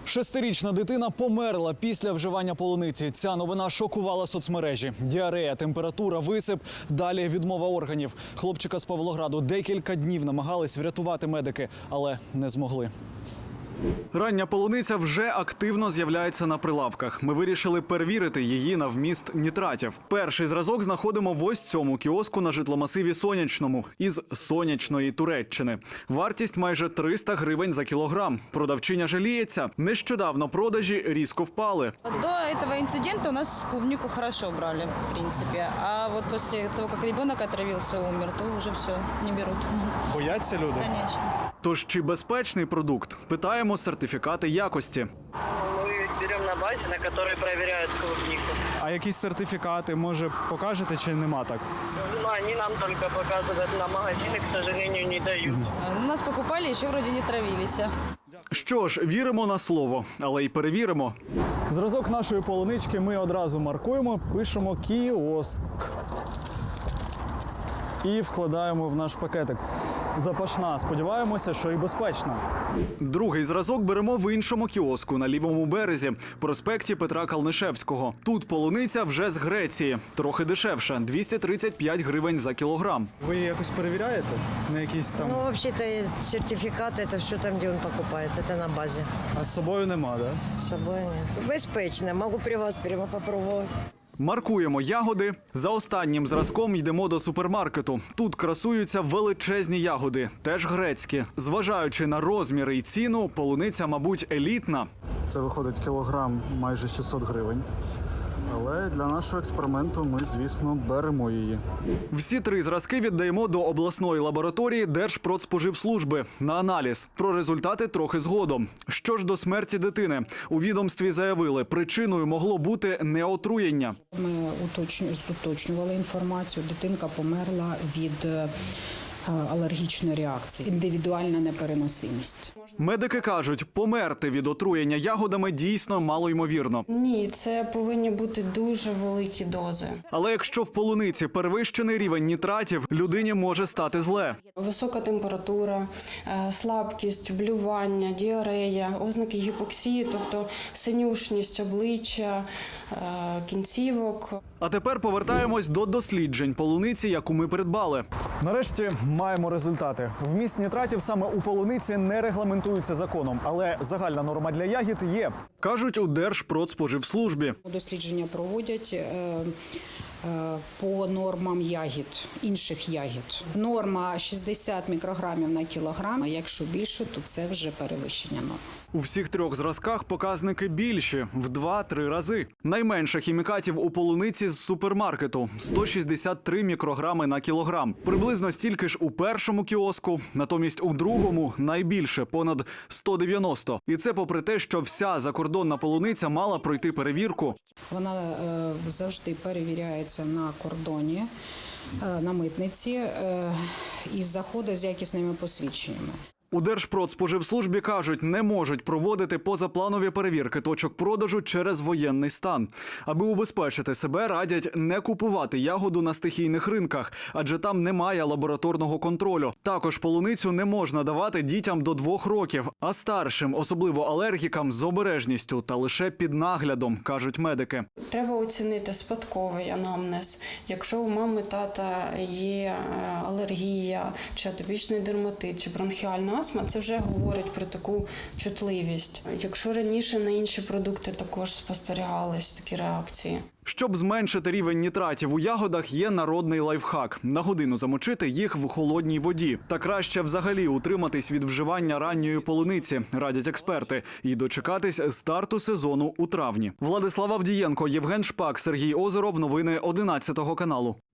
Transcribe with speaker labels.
Speaker 1: 6-річна дитина померла після вживання полуниці. Ця новина шокувала соцмережі. Діарея, температура, висип, далі відмова органів. Хлопчика з Павлограду декілька днів намагались врятувати медики, але не змогли. Рання полуниця вже активно з'являється на прилавках. Ми вирішили перевірити її на вміст нітратів. Перший зразок знаходимо в ось цьому кіоску на житломасиві Сонячному із сонячної Туреччини. Вартість майже 300 гривень за кілограм. Продавчиня жаліється. Нещодавно продажі різко впали.
Speaker 2: До этого инцидента у нас клубнику хорошо брали, в принципе. А вот после того, как ребенок отравился, умер, то уже все, не берут.
Speaker 1: Бояться люди?
Speaker 2: Конечно.
Speaker 1: Тож чи безпечний продукт? Питаємо сертифікати якості.
Speaker 3: Мы берем на базе, на которой проверяют клубнику.
Speaker 1: А якісь сертифікати, може, покажете чи нема так?
Speaker 3: Но они нам только показывают на магазины, к сожалению, не дают.
Speaker 2: У нас покупали, еще вроде не травились.
Speaker 1: Що ж, віримо на слово, але й перевіримо. Зразок нашої полунички ми одразу маркуємо, пишемо «Кіоск» і вкладаємо в наш пакетик. Запашна. Сподіваємося, що і безпечна. Другий зразок беремо в іншому кіоску на лівому березі, проспекті Петра Калнишевського. Тут полуниця вже з Греції. Трохи дешевша – 235 гривень за кілограм. Ви її якось перевіряєте? На якісь там...
Speaker 4: Ну, вообще-то сертификат это все там, где он покупает, это на базе.
Speaker 1: А з собою нема, да?
Speaker 4: С собой нет. Безпечно, могу при вас прямо попробовать.
Speaker 1: Маркуємо ягоди. За останнім зразком йдемо до супермаркету. Тут красуються величезні ягоди, теж грецькі. Зважаючи на розміри і ціну, полуниця, мабуть, елітна. Це виходить кілограм майже 600 гривень. Але для нашого експерименту ми, звісно, беремо її. Всі три зразки віддаємо до обласної лабораторії Держпродспоживслужби на аналіз. Про результати трохи згодом. Що ж до смерті дитини? У відомстві заявили, причиною могло бути неотруєння.
Speaker 5: Ми уточнювали інформацію. Дитинка померла від алергічної реакції, індивідуальна непереносимість.
Speaker 1: Медики кажуть, померти від отруєння ягодами дійсно малоймовірно.
Speaker 6: Ні, це повинні бути дуже великі дози.
Speaker 1: Але якщо в полуниці перевищений рівень нітратів, людині може стати зле.
Speaker 6: Висока температура, слабкість, блювання, діарея, ознаки гіпоксії, тобто синюшність обличчя, кінцівок.
Speaker 1: А тепер повертаємось до досліджень полуниці, яку ми придбали. Нарешті маємо результати. Вміст нітратів саме у полуниці не регламентується законом, але загальна норма для ягід є. Кажуть у Держпродспоживслужбі.
Speaker 5: Дослідження проводять по нормам ягід, інших ягід. Норма 60 мікрограмів на кілограм, а якщо більше, то це вже перевищення норм.
Speaker 1: У всіх трьох зразках показники більші – в 2-3 рази. Найменше хімікатів у полуниці з супермаркету – 163 мікрограми на кілограм. Приблизно стільки ж у першому кіоску, натомість у другому – найбільше – понад 190. І це попри те, що вся закордонна полуниця мала пройти перевірку.
Speaker 5: Вона завжди перевіряється на кордоні, на митниці і заходить з якісними посвідченнями.
Speaker 1: У Держпродспоживслужбі кажуть, не можуть проводити позапланові перевірки точок продажу через воєнний стан. Аби убезпечити себе, радять не купувати ягоду на стихійних ринках, адже там немає лабораторного контролю. Також полуницю не можна давати дітям до 2 років, а старшим, особливо алергікам, з обережністю та лише під наглядом, кажуть медики.
Speaker 6: Треба оцінити спадковий анамнез. Якщо у мами, тата є алергія, чи атопічний дерматит, чи бронхіальна астма, це вже говорить про таку чутливість. Якщо раніше на інші продукти також спостерігались такі реакції.
Speaker 1: Щоб зменшити рівень нітратів у ягодах, є народний лайфхак – на годину замочити їх в холодній воді. Та краще взагалі утриматись від вживання ранньої полуниці, радять експерти, і дочекатись старту сезону у травні. Владислав Авдієнко, Євген Шпак, Сергій Озеров. Новини 11 каналу.